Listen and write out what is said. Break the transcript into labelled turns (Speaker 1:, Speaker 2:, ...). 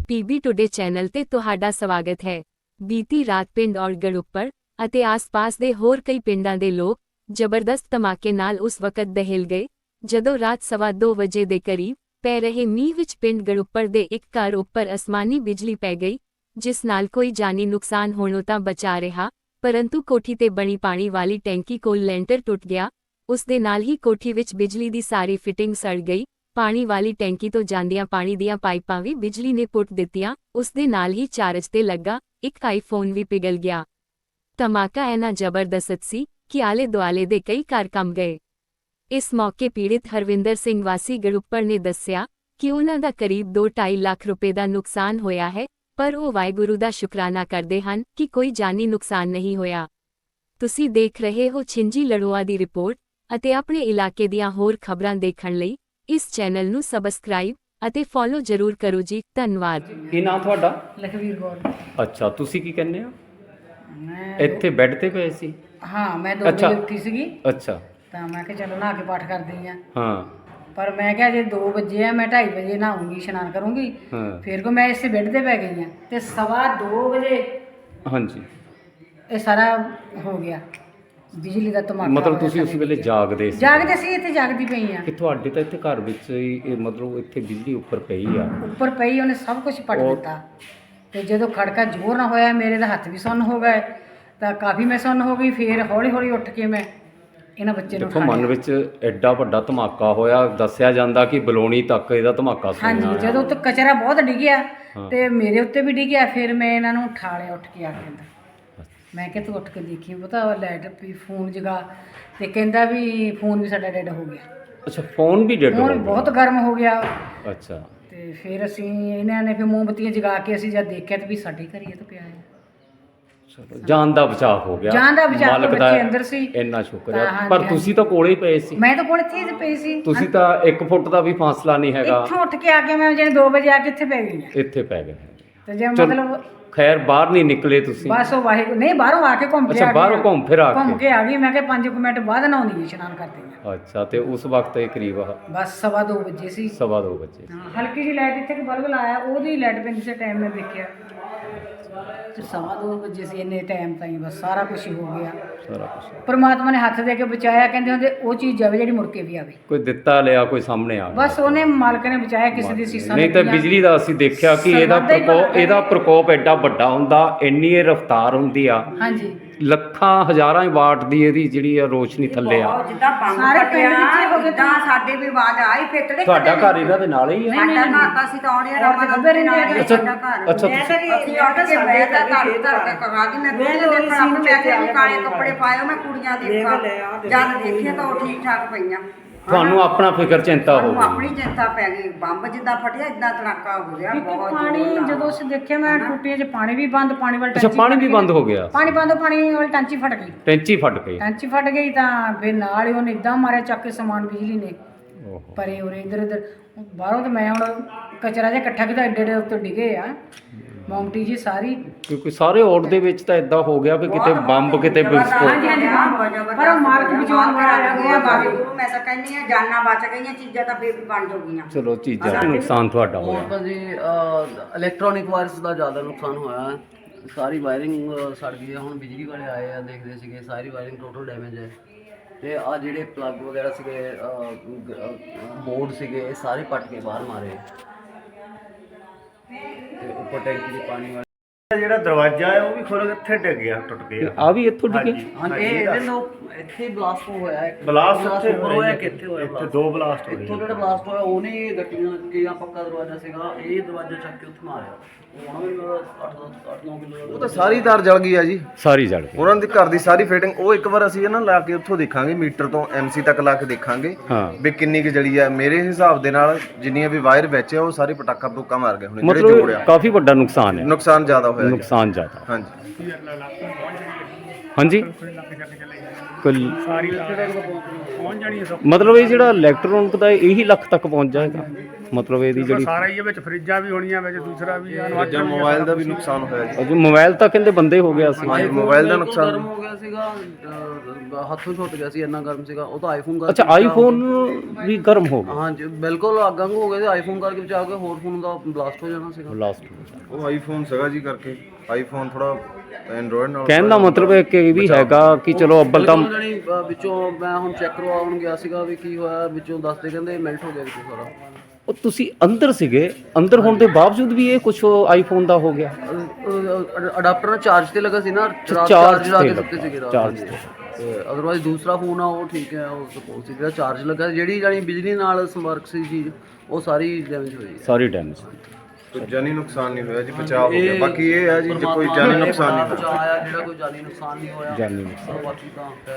Speaker 1: PB today channel ਤੇ ਤੁਹਾਡਾ ਸਵਾਗਤ ਹੈ। ਬੀਤੀ ਰਾਤ ਪਿੰਡ ਔੜਗੜ੍ਹ ਉੱਪਰ ਅਤੇ ਆਸ-ਪਾਸ ਦੇ ਹੋਰ ਕਈ ਪਿੰਡਾਂ ਦੇ ਲੋਕ ਜ਼ਬਰਦਸਤ ਧਮਾਕੇ ਨਾਲ ਉਸ ਵਕਤ ਦਹਿਲ ਗਏ ਜਦੋਂ ਰਾਤ 2:15 ਵਜੇ ਦੇ ਕਰੀਬ ਪੈ ਰਹੇ ਮੀਂਹ ਵਿੱਚ ਪਿੰਡ ਗੜੁੱਪਰ ਦੇ ਇੱਕ ਘਰ ਉੱਪਰ ਅਸਮਾਨੀ ਬਿਜਲੀ ਪੈ ਗਈ, ਜਿਸ ਨਾਲ ਕੋਈ ਜਾਨੀ ਨੁਕਸਾਨ ਹੋਣੋਂ ਤਾਂ ਬਚਾ ਰਿਹਾ, ਪਰੰਤੂ ਕੋਠੀ ਤੇ ਬਣੀ ਪਾਣੀ ਵਾਲੀ ਟੈਂਕੀ ਕੋਲ ਲੈਂਟਰ ਟੁੱਟ ਗਿਆ। ਉਸ ਦੇ ਨਾਲ ਹੀ ਕੋਠੀ ਵਿੱਚ ਬਿਜਲੀ ਦੀ ਸਾਰੀ ਫਿਟਿੰਗ ਸੜ ਗਈ। ਪਾਣੀ ਵਾਲੀ ਟੈਂਕੀ ਤੋਂ ਜਾਂਦੀਆਂ ਪਾਣੀ ਦੀਆਂ ਪਾਈਪਾਂ ਵੀ ਬਿਜਲੀ ਨੇ ਪੁੱਟ ਦਿੱਤੀਆਂ। ਉਸ ਦੇ ਨਾਲ ਹੀ ਚਾਰਜ ਤੇ ਲੱਗਾ ਇੱਕ ਆਈਫੋਨ ਵੀ ਪਿਘਲ ਗਿਆ। ਧਮਾਕਾ ਇੰਨਾ ਜ਼ਬਰਦਸਤ ਸੀ ਕਿ ਆਲੇ ਦੁਆਲੇ ਦੇ ਕਈ ਘਰ ਕੰਬ ਗਏ। ਇਸ ਮੌਕੇ ਪੀੜਿਤ ਹਰਵਿੰਦਰ ਸਿੰਘ ਵਾਸੀ ਗੜੁੱਪਰ ਨੇ ਦੱਸਿਆ ਕਿ ਉਹਨਾਂ ਦਾ ਕਰੀਬ 2-2.5 ਲੱਖ ਰੁਪਏ ਦਾ ਨੁਕਸਾਨ ਹੋਇਆ ਹੈ, ਪਰ ਉਹ ਵਾਹਿਗੁਰੂ ਦਾ ਸ਼ੁਕਰਾਨਾ ਕਰਦੇ ਹਨ ਕਿ ਕੋਈ ਜਾਨੀ ਨੁਕਸਾਨ ਨਹੀਂ ਹੋਇਆ। ਤੁਸੀਂ ਦੇਖ ਰਹੇ ਹੋ ਛਿੰਜੀ ਲੜੋਆ ਦੀ ਰਿਪੋਰਟ ਅਤੇ ਆਪਣੇ ਇਲਾਕੇ ਦੀਆਂ ਹੋਰ ਖਬਰਾਂ ਦੇਖਣ ਲਈ ਇਸ ਚੈਨਲ ਨੂੰ ਸਬਸਕ੍ਰਾਈਬ ਅਤੇ ਫੋਲੋ ਜ਼ਰੂਰ ਕਰੋ ਜੀ। ਧੰਨਵਾਦ।
Speaker 2: ਕੀ ਨਾਮ ਤੁਹਾਡਾ?
Speaker 3: ਲਖਵੀਰ ਕੌਰ।
Speaker 2: ਅੱਛਾ, ਤੁਸੀਂ ਕੀ ਕਹਿੰਦੇ ਹੋ?
Speaker 3: ਮੈਂ
Speaker 2: ਇੱਥੇ ਬੈੱਡ ਤੇ ਪਏ ਸੀ?
Speaker 3: ਹਾਂ, ਮੈਂ 2 ਵਜੇ
Speaker 2: ਅੱਛਾ।
Speaker 3: ਉੱਠੀ ਸੀਗੀ
Speaker 2: ਅੱਛਾ।
Speaker 3: ਤਾਂ ਮੈਂ ਕਿਹਾ ਚਲੋ ਨਹਾ ਕੇ ਪਾਠ ਕਰਦੀ ਆ।
Speaker 2: ਹਾਂ
Speaker 3: ਪਰ ਮੈਂ ਕਿਹਾ ਜੇ 2 ਵਜੇ ਆ, ਮੈਂ 2:30 ਵਜੇ ਨਹਾਉਂਗੀ, ਇਸ਼ਨਾਨ ਕਰੂੰਗੀ।
Speaker 2: ਹਾਂ
Speaker 3: ਫਿਰ ਕੋ ਮੈਂ ਇਸੇ ਬੈੱਡ ਤੇ ਪੈ ਗਈ ਆ ਤੇ 2:15 ਵਜੇ
Speaker 2: ਹਾਂਜੀ।
Speaker 3: ਇਹ ਸਾਰਾ ਹੋ ਗਿਆ, ਬਿਜਲੀ ਦਾ ਧਮਾਕਾ
Speaker 2: ਮਤਲਬ
Speaker 3: ਹੋਇਆ
Speaker 2: ਤੁਸੀਂ ਉਸ
Speaker 3: ਸਾਡੇ
Speaker 2: ਵੇਲੇ
Speaker 3: ਵਿੱਚ।
Speaker 2: ਜਾਗਦੇ ਸੀ?
Speaker 3: ਜਾਗਦੇ ਸੀ, ਇੱਥੇ ਜਾਗਦੀ ਪਈ ਆ।
Speaker 2: ਕਿ ਤੁਹਾਡੇ ਤਾਂ ਇੱਥੇ ਘਰ ਵਿੱਚ ਹੀ ਇਹ ਮਤਲਬ ਇੱਥੇ ਬਿਜਲੀ ਉੱਪਰ ਪਈ ਆ?
Speaker 3: ਉੱਪਰ ਪਈ, ਉਹਨੇ ਸਭ ਕੁਝ ਪੱਟ
Speaker 2: ਉਹ-
Speaker 3: ਦਿੱਤਾ। ਤੇ ਜਦੋਂ ਖੜਕਾ ਜ਼ੋਰ ਨਾਲ ਹੋਇਆ, ਮੇਰੇ ਤਾਂ ਹੱਥ ਵੀ ਸੁੰਨ ਹੋ ਗਏ, ਤਾਂ ਕਾਫੀ ਮੈਂ ਸੁੰਨ ਹੋ ਗਈ। ਫਿਰ ਹੌਲੀ ਹੌਲੀ ਉੱਠ ਕੇ ਮੈਂ ਇਹਨਾਂ ਬੱਚੇ ਨੂੰ
Speaker 2: ਦੇਖੋ,
Speaker 3: ਉਠਾ
Speaker 2: ਮਨ
Speaker 3: ਲਿਆ।
Speaker 2: ਵਿੱਚ ਐਡਾ ਵੱਡਾ ਧਮਾਕਾ ਹੋਇਆ, ਦੱਸਿਆ ਜਾਂਦਾ ਕਿ ਬਲੌਣੀ ਤੱਕ ਇਹਦਾ ਧਮਾਕਾ
Speaker 3: ਹਾਂਜੀ,
Speaker 2: ਸੁਣਿਆ।
Speaker 3: ਜਦੋਂ ਉੱਤੇ ਕਚਰਾ ਬਹੁਤ ਡਿੱਗਿਆ
Speaker 2: ਹਾਂ।
Speaker 3: ਤੇ ਮੇਰੇ ਉੱਤੇ ਵੀ ਡਿੱਗਿਆ। ਫਿਰ ਮੈਂ ਇਹਨਾਂ ਨੂੰ ਉਠਾ ਲਿਆ ਉੱਠ ਕੇ ਆ ਕੇ ਅੰਦਰ। ਮੈਂ ਕਿਹਾ ਤੂੰ ਉੱਠ ਕੇ ਦੇਖੀ, ਪਤਾ ਲਾਈਟ ਵੀ ਫੋਨ ਜਗਾ ਤੇ ਕਹਿੰਦਾ ਵੀ ਫੋਨ ਵੀ ਸਾਡਾ ਡੈਡ ਹੋ ਗਿਆ।
Speaker 2: ਅੱਛਾ, ਫੋਨ ਵੀ ਡੈਡ ਹੋ
Speaker 3: ਫੋਨ
Speaker 2: ਗਿਆ?
Speaker 3: ਬਹੁਤ ਗਰਮ ਹੋ ਗਿਆ।
Speaker 2: ਅੱਛਾ।
Speaker 3: ਤੇ ਫਿਰ ਅਸੀਂ ਇਹਨਾਂ ਨੇ ਫਿਰ ਮੋਮਬੱਤੀਆਂ ਜਗਾ ਕੇ ਅਸੀਂ ਜਦ ਦੇਖਿਆ ਤਾਂ ਵੀ ਸਾਡੇ ਘਰ ਹੀ ਇਹ ਤਾਂ ਪਿਆ ਹੈ।
Speaker 2: ਚਲੋ, ਜਾਨ ਦਾ ਬਚਾਅ ਹੋ ਗਿਆ।
Speaker 3: ਜਾਨ ਦਾ ਬਚਾਅ,
Speaker 2: ਮਾਲਕ ਦਾ
Speaker 3: ਬੱਚੇ ਅੰਦਰ ਸੀ।
Speaker 2: ਇੰਨਾ ਸ਼ੁਕਰ
Speaker 3: ਤਾਂ
Speaker 2: ਹੈ।
Speaker 3: ਹਾਂਜੀ,
Speaker 2: ਪਰ
Speaker 3: ਹਾਂਜੀ।
Speaker 2: ਤੁਸੀਂ ਤਾਂ ਕੋਲੇ ਹੀ ਪਏ ਸੀ।
Speaker 3: ਮੈਂ ਤਾਂ ਕੋਲ ਇੱਥੇ ਹੀ ਪਈ ਸੀ।
Speaker 2: ਤੁਸੀਂ ਤਾਂ 1 ਫੁੱਟ ਦਾ ਵੀ ਫਾਸਲਾ ਨਹੀਂ ਹੈਗਾ।
Speaker 3: ਇੱਥੋਂ ਉੱਠ ਕੇ ਆ ਕੇ ਮੈਂ ਜਿਹੜੇ 2 ਵਜੇ ਆ ਕੇ ਇੱਥੇ ਪੈ ਗਈ ਹਾਂ।
Speaker 2: ਇੱਥੇ ਪੈ ਗਏ।
Speaker 3: ਤੇ ਜੇ
Speaker 2: ਚਲੋ,
Speaker 3: ਮਤਲਬ
Speaker 2: ਖੈਰ ਬਾਹਰ ਨਹੀਂ ਨਿਕਲੇ ਤੁਸੀਂ?
Speaker 3: ਬਸ ਉਹ ਵਾਹਿਗੁਰੂ ਨਹੀਂ, ਬਾਹਰੋਂ ਆ ਕੇ ਘੁੰਮ ਕੇ
Speaker 2: ਅੱਛਾ,
Speaker 3: ਆ ਗਈ
Speaker 2: ਬਾਹਰੋਂ
Speaker 3: ਹਾਂ।
Speaker 2: ਘੁੰਮ ਫਿਰ ਆ
Speaker 3: ਘੁੰਮ
Speaker 2: ਕੇ?
Speaker 3: ਕੇ ਆ ਗਈ। ਮੈਂ ਕਿਹਾ 5 ਮਿੰਟ ਬਾਅਦ ਨਹਾਉਂਦੀ ਇਸ਼ਨਾਨ ਕਰਦੀ ਹਾਂ।
Speaker 2: ਅੱਛਾ, ਤੇ ਉਸ ਵਕਤ ਇਹ ਕਰੀਬ
Speaker 3: ਬਸ 2:15 ਵਜੇ ਸੀ।
Speaker 2: 2:15 ਵਜੇ।
Speaker 3: ਹਾਂ, ਹਲਕੀ ਜਿਹੀ ਲਾਈਟ ਇੱਥੇ ਬਲਬ ਲਾਇਆ, ਉਹਦੀ ਲਾਈਟ ਪੈਂਦੀ ਸੀ ਟਾਈਮ ਮੈਂ ਦੇਖਿਆ ਤੇ 2:15 ਵਜੇ ਸੀ। ਇੰਨੇ ਟਾਈਮ ਤਾਈਂ ਬਸ ਸਾਰਾ ਕੁਝ ਹੀ ਹੋ ਗਿਆ।
Speaker 2: ਸਾਰਾ ਕੁਝ
Speaker 3: ਪਰਮਾਤਮਾ ਨੇ ਹੱਥ ਦੇ ਕੇ ਬਚਾਇਆ। ਕਹਿੰਦੇ ਹੁੰਦੇ ਉਹ ਚੀਜ਼ ਜਾਵੇ ਜਿਹੜੀ ਮੁੜ ਕੇ ਵੀ ਆਵੇ।
Speaker 2: ਕੋਈ ਦਿੱਤਾ ਲਿਆ, ਕੋਈ ਸਾਹਮਣੇ ਆ ਗਿਆ।
Speaker 3: ਬਸ ਉਹਨੇ ਮਾਲਕ ਨੇ ਬਚਾਇਆ, ਕਿਸੇ ਦੀ ਸੀਸਾਂ
Speaker 2: ਨਹੀਂ ਤਾਂ
Speaker 3: ਲੱਗੀਆਂ।
Speaker 2: ਬਿਜਲੀ ਦਾ ਅਸੀਂ ਦੇਖਿਆ ਕਿ ਇਹਦਾ ਪ੍ਰਕੋਪ ਐਡਾ ਵੱਡਾ ਹੁੰਦਾ, ਇੰਨੀ ਇਹ ਰਫ਼ਤਾਰ ਹੁੰਦੀ ਆ।
Speaker 3: ਹਾਂਜੀ,
Speaker 2: ਲੱਖਾਂ ਹਜ਼ਾਰਾਂ ਹੀ ਵਾਟ ਦੀ ਇਹਦੀ ਜਿਹੜੀ ਆ ਰੋਸ਼ਨੀ ਥੱਲੇ ਆ।
Speaker 4: ਜਿੱਦਾਂ ਬੰਬ
Speaker 3: ਸਾਰੇ ਪਿੰਡ
Speaker 4: ਫਟਿਆ
Speaker 3: ਵਿੱਚ ਹੀ ਹੋ ਗਏ।
Speaker 4: ਉਦਾਂ ਸਾਡੇ ਵੀ ਆਵਾਜ਼ ਆਈ ਫਿੱਟੜੇ।
Speaker 2: ਤੁਹਾਡਾ ਘਰ ਇਹਨਾਂ ਦੇ ਨਾਲ ਹੀ ਆ?
Speaker 4: ਸਾਡਾ ਘਰ ਤਾਂ ਅਸੀਂ ਤਾਂ ਆਉਣੇ
Speaker 3: ਔਰ ਤੇ ਗੱਭੇ ਰਹਿੰਦੇ ਆ।
Speaker 4: ਸਾਡਾ ਘਰ।
Speaker 2: ਅੱਛਾ,
Speaker 4: ਮੈਂ ਤਾਂ ਅਸੀਂ ਉੱਠ ਕੇ ਬਹਿ ਤਾਂ ਧੜ ਕੇ ਕਹਾ ਦੀ ਮੈਂ ਕੁੜੀਆਂ ਦੇਖਣ ਆਪ ਮੈਂ ਕਿਹਾ ਵੀ ਕਾਲੇ ਕੱਪੜੇ ਪਾਇਓ, ਮੈਂ ਕੁੜੀਆਂ ਦੇਖਾਂ। ਜਦ ਦੇਖਿਆ ਤਾਂ ਉਹ ਠੀਕ ਠਾਕ ਪਈਆਂ।
Speaker 2: ਤੁਹਾਨੂੰ ਆਪਣਾ ਫਿਕਰ ਚਿੰਤਾ ਹੋ
Speaker 4: ਸਾਨੂੰ
Speaker 2: ਗਈ?
Speaker 4: ਆਪਣੀ ਚਿੰਤਾ ਪੈ ਗਈ। ਬੰਬ ਜਿੱਦਾਂ ਫਟਿਆ ਇਦਾਂ ਧੜਾਕਾ ਹੋ ਗਿਆ
Speaker 3: ਕਿਉਂਕਿ
Speaker 4: ਬਹੁਤ
Speaker 3: ਪਾਣੀ
Speaker 4: ਜ਼ੋਰ ਨਾਲ।
Speaker 3: ਜਦੋਂ ਅਸੀਂ ਦੇਖਿਆ, ਮੈਂ ਟੂਟੀਆਂ 'ਚ ਪਾਣੀ ਵੀ ਬੰਦ, ਪਾਣੀ ਵਾਲੀ
Speaker 2: ਅੱਛਾ, ਪਾਣੀ ਵੀ ਬੰਦ ਹੋ ਗਿਆ?
Speaker 3: ਪਾਣੀ ਬੰਦ, ਪਾਣੀ ਵਾਲੀ ਟੈਂਕੀ ਫਟ ਗਈ।
Speaker 2: ਟੈਂਚੀ ਫਟ ਗਈ?
Speaker 3: ਟੈਂਕੀ ਫਟ ਗਈ ਤਾਂ ਫਿਰ ਨਾਲ ਹੀ ਉਹਨੇ ਇਦਾਂ ਮਾਰਿਆ ਚੱਕ ਕੇ ਸਮਾਨ ਬਿਜਲੀ ਨੇ
Speaker 2: ਓਹੋ।
Speaker 3: ਪਰੇ ਉਰੇ ਇੱਧਰ ਇੱਧਰ ਬਾਹਰੋਂ। ਤੇ ਮੈਂ ਹੁਣ ਕਚਰਾ ਜਿਹਾ ਇਕੱਠਾ ਕੀਤਾ, ਏਡੇ ਏਡੇ ਉੱਤੇ ਡਿੱਗੇ ਆ ਮੋਮਟੀ ਜੀ ਸਾਰੀ।
Speaker 2: ਕਿਉਂਕਿ ਸਾਰੇ ਔੜ ਦੇ ਵਿੱਚ ਤਾਂ ਇਦਾਂ ਹੋ ਗਿਆ ਕਿ ਕਿਤੇ ਬੰਬ, ਕਿਤੇ ਵਿਸਫੋਟ।
Speaker 3: ਹਾਂਜੀ, ਹਾਂਜੀ, ਬੰਬ। ਪਰ ਉਹ ਮਾਲਕ ਬਚਾਉਣ ਵਾਲਾ
Speaker 4: ਗਿਆ ਵਾਹਿਗੁਰੂ। ਮੈਂ ਤਾਂ ਕਹਿੰਦੀ ਆ ਜਾਨਾਂ ਬਚ ਗਈਆਂ, ਚੀਜ਼ਾਂ ਤਾਂ ਫੇਰ ਵੀ ਬਣ ਜਾਊਗੀਆਂ।
Speaker 2: ਚਲੋ, ਚੀਜ਼ਾਂ ਦਾ ਨੁਕਸਾਨ ਤੁਹਾਡਾ
Speaker 5: ਹੋਰ
Speaker 2: ਹੋਇਆ।
Speaker 5: ਤਾਂ ਜੀ ਇਲੈਕਟ੍ਰੋਨਿਕ ਵਾਇਰਸ ਦਾ ਜ਼ਿਆਦਾ ਨੁਕਸਾਨ ਹੋਇਆ ਹੈ। ਸਾਰੀ ਵਾਇਰਿੰਗ ਸੜ ਗਈ ਹੈ। ਹੁਣ ਬਿਜਲੀ ਵਾਲੇ ਆਏ ਆ, ਦੇਖਦੇ ਸੀਗੇ ਸਾਰੀ ਵਾਇਰਿੰਗ ਟੋਟਲ ਡੈਮੇਜ ਹੈ। ਤੇ ਆ ਜਿਹੜੇ ਪਲੱਗ ਵਗੈਰਾ ਸੀਗੇ, ਬੋਰਡ ਸੀਗੇ, ਇਹ ਸਾਰੇ ਪੱਟ ਕੇ ਬਾਹਰ ਮਾਰੇ। ਤੇ ਉੱਪਰ ਟੈਂਕੀ ਦੇ ਪਾਣੀ ਵਾਲੇ
Speaker 6: ਜਿਹੜਾ ਦਰਵਾਜ਼ਾ ਹੈ ਉਹ ਵੀ ਖੁਰ ਇੱਥੇ ਡਿੱਗ ਗਿਆ, ਟੁੱਟ ਗਿਆ।
Speaker 2: ਆ ਵੀ ਇੱਥੋਂ ਡਿੱਗੇ?
Speaker 5: ਹਾਂ, ਇਹ ਇਹਦੇ ਨਾਲ ਇੱਥੇ ਬਲਾਸਟ ਹੋਇਆ ਹੈ।
Speaker 6: ਬਲਾਸਟ ਇੱਥੇ
Speaker 5: ਉੱਪਰ ਹੋਇਆ ਕਿ ਇੱਥੇ ਹੋਇਆ?
Speaker 6: ਇੱਥੇ 2 ਬਲਾਸਟ ਹੋਏ।
Speaker 5: ਇੱਥੋਂ ਜਿਹੜਾ ਬਲਾਸਟ ਹੋਇਆ ਉਹਨੇ ਗੱਟੀਆਂ ਲੱਗੀਆਂ, ਪੱਕਾ ਦਰਵਾਜ਼ਾ ਸੀਗਾ, ਇਹ ਦਰਵਾਜ਼ਾ ਚੱਕ ਕੇ ਉੱਥੇ ਮਾਰਿਆ। ਹੁਣ ਵੀ 8-9 ਕਿਲੋ
Speaker 7: ਉਹ ਤਾਂ ਸਾਰੀ ਤਾਰ ਜਲ ਗਈ ਆ ਜੀ।
Speaker 2: ਸਾਰੀ ਜੜ ਗਈ?
Speaker 7: ਉਹਨਾਂ ਦੀ ਘਰ ਦੀ ਸਾਰੀ ਫਿਟਿੰਗ, ਉਹ ਇੱਕ ਵਾਰ ਅਸੀਂ ਨਾ ਲਾ ਕੇ ਉੱਥੋਂ ਦੇਖਾਂਗੇ, ਮੀਟਰ ਤੋਂ ਐਮਸੀ ਤੱਕ ਲਾ ਕੇ ਦੇਖਾਂਗੇ
Speaker 2: ਹਾਂ।
Speaker 7: ਵੀ ਕਿੰਨੀ ਕੁ ਜਲੀ ਆ। ਮੇਰੇ ਹਿਸਾਬ ਦੇ ਨਾਲ ਜਿੰਨੀਆਂ ਵੀ ਵਾਇਰ ਵਿੱਚ ਆ ਉਹ ਸਾਰੇ ਪਟਾਕਾ ਪਟੂਕਾ ਮਾਰ ਗਏ ਹੁਣ, ਜਿਹੜੇ
Speaker 2: ਮਤਲਬ
Speaker 7: ਜੋੜਿਆ।
Speaker 2: ਕਾਫੀ ਵੱਡਾ ਨੁਕਸਾਨ ਹੈ?
Speaker 7: ਨੁਕਸਾਨ ਜ਼ਿਆਦਾ ਹੋਇਆ ਜੀ।
Speaker 2: ਨੁਕਸਾਨ ਜ਼ਿਆਦਾ।
Speaker 7: ਹਾਂਜੀ।
Speaker 2: ਹਾਂਜੀ, ਮਤਲਬ ਇਹ ਜਿਹੜਾ ਇਲੈਕਟ੍ਰੋਨਿਕ ਦਾ ਇਹੀ ਲੱਖ ਤੱਕ ਪਹੁੰਚ ਜਾਏਗਾ? ਮਤਲਬ ਇਹਦੀ ਜਿਹੜੀ
Speaker 8: ਸਾਰਾ ਹੀ ਵਿੱਚ ਫਰਿੱਜਾਂ ਵੀ ਹੋਣੀਆਂ ਵਿੱਚ ਦੂਸਰਾ ਵੀ ਆ
Speaker 7: ਜਾਂ ਮੋਬਾਈਲ ਦਾ ਵੀ ਨੁਕਸਾਨ ਹੋਇਆ ਜੀ।
Speaker 2: ਅਜੇ ਮੋਬਾਈਲ ਤਾਂ ਕਹਿੰਦੇ ਬੰਦੇ ਹੋ ਗਿਆ ਸੀ।
Speaker 7: ਹਾਂਜੀ, ਮੋਬਾਈਲ ਦਾ ਨੁਕਸਾਨ
Speaker 5: ਗਰਮ ਹੋ ਗਿਆ ਸੀਗਾ, ਹੱਥੋਂ ਛੁੱਟ ਗਿਆ ਸੀ, ਇੰਨਾ ਗਰਮ ਸੀਗਾ ਉਹ ਤਾਂ ਆਈਫੋਨ ਕਰਕੇ
Speaker 2: ਅੱਛਾ ਆਈਫੋਨ ਵੀ ਗਰਮ ਹੋ ਗਿਆ।
Speaker 5: ਹਾਂਜੀ ਬਿਲਕੁਲ ਅੱਗ ਵਾਂਗੂ ਹੋ ਗਿਆ ਸੀ, ਆਈਫੋਨ ਕਰਕੇ ਬਚਾ ਕੇ ਹੋਰ ਫੋਨ ਦਾ ਬਲਾਸਟ ਹੋ ਜਾਣਾ ਸੀਗਾ।
Speaker 2: ਲਾਸਟ
Speaker 7: ਉਹ ਆਈਫੋਨ ਸੀਗਾ ਜੀ ਕਰਕੇ ਆਈਫੋਨ ਥੋੜਾ ਐਂਡਰੋਇਡ ਨਾਲ
Speaker 2: ਕਹਿਣ ਦਾ ਮਤਲਬ ਹੈ ਕਿ ਇਹ ਵੀ ਹੈਗਾ ਕਿ ਚਲੋ ਅੱਬਲ ਤਾਂ
Speaker 5: ਬਿਲਕੁਲ ਜਾਣੀ ਵਿੱਚੋਂ ਮੈਂ ਹੁਣ ਚੈੱਕ ਕਰਵਾਉਣ ਗਿਆ ਸੀਗਾ ਵੀ ਕੀ ਹੋਇਆ, ਵਿੱਚੋਂ ਦੱਸਦੇ ਕਹਿੰਦੇ ਮੈਲਟ ਹੋ ਗਿਆ ਵਿੱਚੋਂ ਸਾਰਾ।
Speaker 2: ਉਹ ਤੁਸੀਂ ਅੰਦਰ ਸੀਗੇ, ਅੰਦਰ ਹੋਣ ਦੇ ਬਾਵਜੂਦ ਵੀ ਇਹ ਕੁਝ ਆਈਫੋਨ ਦਾ ਹੋ ਗਿਆ।
Speaker 5: ਅਡਾਪਟਰ ਨਾਲ ਚਾਰਜ ਤੇ ਲੱਗਾ ਸੀ ਨਾ,
Speaker 2: ਚਾਰਜ
Speaker 5: ਲਾ
Speaker 2: ਤੇ
Speaker 5: ਕੇ ਦਿੱਤੇ ਸੀਗੇ ਰਾਤ
Speaker 2: ਚਾਰਜ
Speaker 5: ਨੂੰ। ਤੇ ਅਦਰਵਾਈਜ਼ ਦੂਸਰਾ ਫੋਨ ਆ ਉਹ ਠੀਕ ਹੈ, ਉਹ ਸਪੋਜ਼ ਸੀ ਜਿਹੜਾ ਚਾਰਜ ਲੱਗਾ, ਜਿਹੜੀ ਜਾਨੀ ਬਿਜਲੀ ਨਾਲ ਸੰਪਰਕ ਸੀ ਚੀਜ਼ ਉਹ ਸਾਰੀ ਡੈਮੇਜ ਹੋਈ ਹੈ।
Speaker 2: ਸਾਰੀ ਡੈਮੇਜ।
Speaker 7: ਕੋਈ ਜਾਨੀ ਨੁਕਸਾਨ ਨਹੀਂ ਹੋਇਆ ਜੀ, ਬਚਾਅ ਹੋ ਗਿਆ। ਬਾਕੀ ਇਹ ਹੈ ਜੀ ਜੇ ਕੋਈ ਜਾਨੀ ਨੁਕਸਾਨ ਨਹੀਂ ਹੋਇਆ,
Speaker 5: ਬਚਾਅ ਆ ਜਿਹੜਾ ਕੋਈ ਜਾਨੀ ਨੁਕਸਾਨ ਨਹੀਂ ਹੋਇਆ।
Speaker 2: ਜਾਨੀ ਨੁਕਸਾਨ।
Speaker 5: ਬਾਕੀ ਤਾਂ